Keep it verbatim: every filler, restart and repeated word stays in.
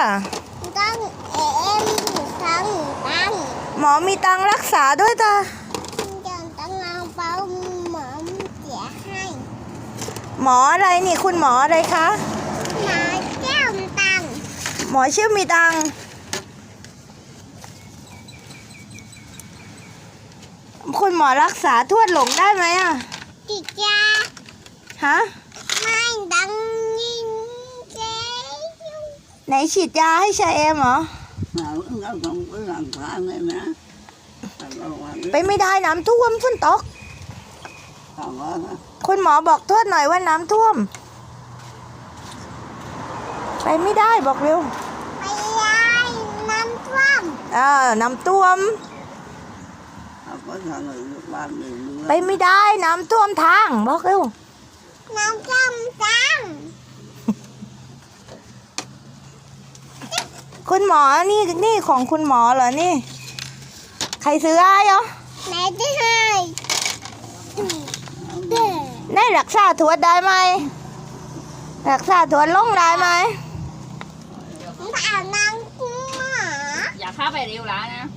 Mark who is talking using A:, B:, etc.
A: ต้องเอ็มต้องตัง
B: หมอมีตังค์รักษาด้วยจ้ะ
A: จะต้องเอาเป้าหมอเสียให้
B: หมออะไรนี่คุณหมออะไรคะ
A: หมอแก้วตัง
B: หมอชื่อมีตังค์คุณหมอรักษาทวดหลงได้ไหมอ่ะ
A: ติดยา
B: ฮะ
A: ไม่ดังยิงเจ๊
B: ไหนฉีดยาให้ชาเอมเหรอ
C: nó không có làm phá này nè.
B: ไปไม่ได้น้ำท่วมฝนตก
C: Không có hả?
B: คุณหมอบอกทวดหน่อยว่าน้ำท่วม ไปไม่ได้บอกเร็ว
A: ไปยายน้ำท่วม
B: เออน้ำท่วม
C: Không có thằng người được làm gì nữa.
B: ไปไม่ได้น้ำท่วมทางบอกเร็ว
A: น้ำท่วมตัง
B: คุณหมอนี่นี่ของคุณหมอเหรอนี่ ใครซื้อให้เหรอ
A: ไหนจะให้เด้อ
B: ได้รักษาทวดได้ไหมรักษาทวดลงได้ไหม
A: ถามนางกุ้งหมา
D: อย่าเข้าไปเร็วแล้วนะ